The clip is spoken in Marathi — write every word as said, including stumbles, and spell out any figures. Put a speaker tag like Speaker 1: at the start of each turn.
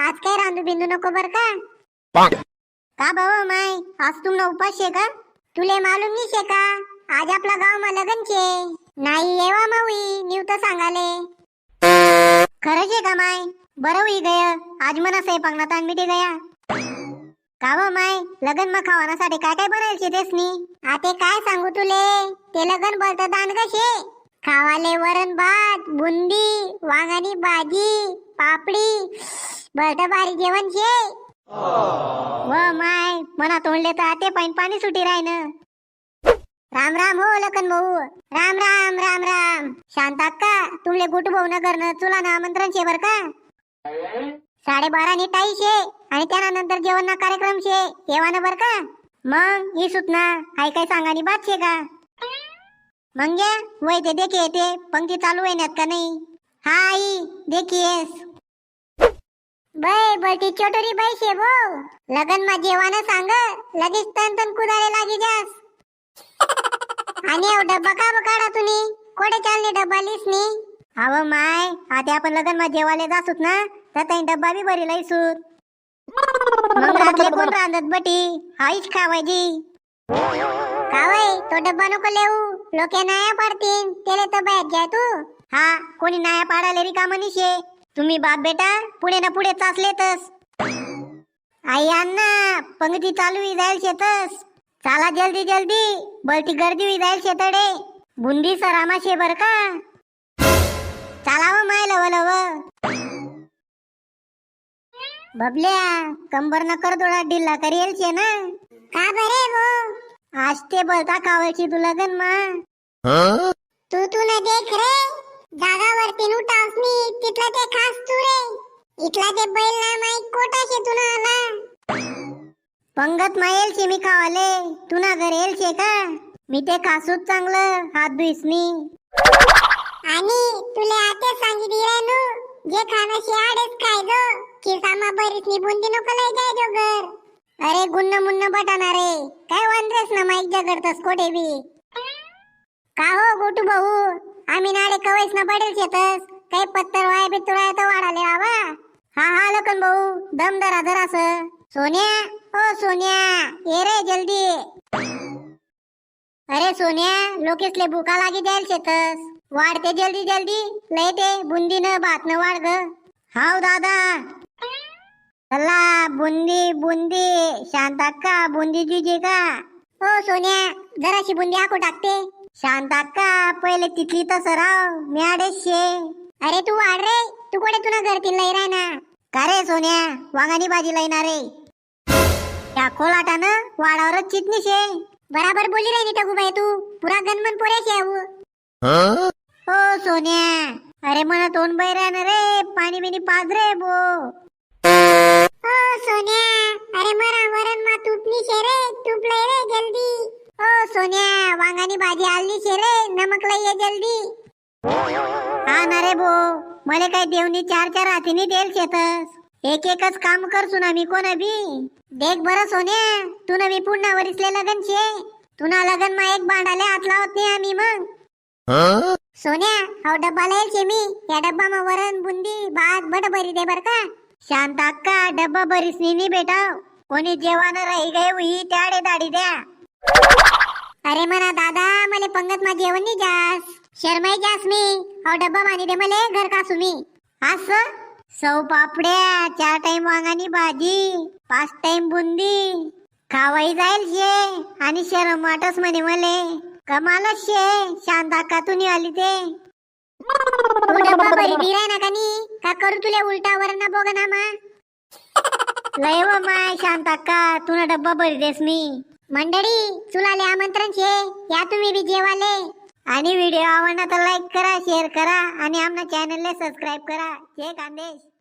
Speaker 1: आज काय रांधू बिंदू नको बर का? का भाऊ माय आज तुमना उपास शे का? तुले मालूम नहीं शे का आज आपला गाव मा लगन छे? नाही येवा मावी न्यू तर सांगाले. खरं शे का माय? बरं होई गय आज मना स्वयंपाक ना ताण मिटे गया. का व माय लगन मा खावानासाठी काय काय बनायल शे तेसनी? आते काय सांगू तुले ते लगन बोलत दान कशे खावाले वरण भात बुंदी वांगानी भाजी पापडी बळत भारी जेवण शे. व माय मना तोंडले तर आते पाणी पाणी सुटी राय न. राम राम हो लखन भाऊ. राम राम राम राम. शांत अक्का तुमले गुट भाऊ नगर न चुला ना आमंत्रण शे बर का? साडे बारा नी टाई शे आणि त्यानंतर जेवण ना कार्यक्रम शे येवा न बर का? मग ही सुतना हाय काय सांगानी बात शे का? मंग्या वय ते देखिए ते पंक्ती चालू आहे का नाही? हा आई देखिएस. बाय बटी छोटरी बाई शे वो लगन मा जेवाना सांग लगेच तन तन कुदारे लागी जास. आणि एव डब्बा का बकाडा तुनी कोडे चालने डब्बा लिसनी? अव माय आता आपण लगन मा जेवाले जासूत ना तर तई डब्बा बी भरी लईसूत. मग रातले कोण रांधत बटी आईच खावायची. कावय तो डब्बा नको लेऊ लोके नाया पाडतीन तेले तर बाहेर जाय तू. हा कोणी नाया पाडाले रिकाम निशे तुम्ही बाप बेटा पुढे ना पुढे चाचलेतस. आई अण्णा पंक्ती चालू ही जाईल शेतस. चला जल्दी जल्दी बलती गर्दी हुई जाईल शेतडे बुंदी सरामा शे बर का? चालाव माय लव लव. बबल्या कंबर न कर थोडा ढिल्ला करेल शे ना? का बरे वो आज ते बोलता कावळची तू लगन मा. तू तू न देख रे जागावरती उठावसनी तिथला ते खास तू रे इथला ते बैल ना माई कोटा शे तू ना आला. पंगत मायल शे मी खावाले तू ना घर येल शे का? मी ते खासूच चांगलं हात धुईसनी. आणि तुले आते सांगितली रे नु जे खाना शे आडेच खायजो खिसामा बरीसनी बुंदी नको लय जायजो घर. अरे गुन्न मुन्न बटाना रे काय वांद्रेस ना माईक जगडतस कोठे बी. का हो गोटू भाऊ आम्ही नाडे कवैस ना पडेल शेतस काही पत्तर वाय बित्तुराय तर वाढाले आवा. हा हा लखन भाऊ दम धरा धरास. सोन्या ओ सोन्या ये रे जल्दी. अरे सोन्या लोकेसले भूका लागी जाईल शेतस वाढते जल्दी जल्दी लय ते बुंदी न भात न वाढ ग. हाव दादा चला बुंदी बुंदी. शांत अक्का बुंदी जुजे का? हो सोन्या जराशी बुंदी आको टाकते. शांत अक्का पहिले तिथली तसं राव मी आडेच शे. अरे तू वाढ रे तू कोडे तुला घरतील लय राय ना. का रे सोन्या वांगानी भाजी लयना रे त्या खोलाटानं वाडावरच चितनी शे. बराबर बोली रे नी टगू बाई तू पुरा गनमन पोरे शे आऊ. हो सोन्या अरे मना तोंड बैरा न रे पाणी बिनी पाज रे बो. ओ सोन्या अरे मरा वरण मा तुटनी शे रे तूप लय रे जल्दी. ओ सोन्या वांगानी भाजी आलनी शे रे नमक लय ये जल्दी. हा ना रे बो मले काय देवनी चार चार हातीनी देल शेतस एक एकच काम करसू ना मी कोण बी. देख बरं सोन्या तू न मी पुन्हा वरिसले लगन शे तुना लगन मा एक भांडाले हात लावत नाही आम्ही मग. सोन्या हा डब्बा लयल शे मी या डब्बा मा वरण बुंदी भात बट भरी दे बर का? शांत अक्का डब्बा भरीस नी बेटा कोणी जेवण राही गए हुई त्याडे दाडी द्या. अरे मना दादा मले पंगत मा जेवण नी जास शर्माई जास मी हा डब्बा मानी दे मले घर कासू मी. अस सौ पापड्या चार टाइम वांगानी भाजी पाच टाइम बुंदी खावाई जाईल शे आणि शरम वाटस म्हणे मले. कमालच शे शांत अक्का तू आली ते. तू डब्बा भरी दिराय ना कानी का करू तुले उलटा वरण बोगना मा. लय व माय शांत अक्का तुना डब्बा भरी देस मी. मंडळी चुलाले आमंत्रण शे या तुम्ही बी जेवाले. आणि व्हिडिओ आवडला तर लाईक करा शेअर करा आणि आमना चॅनलले सबस्क्राईब करा. जय खानदेश.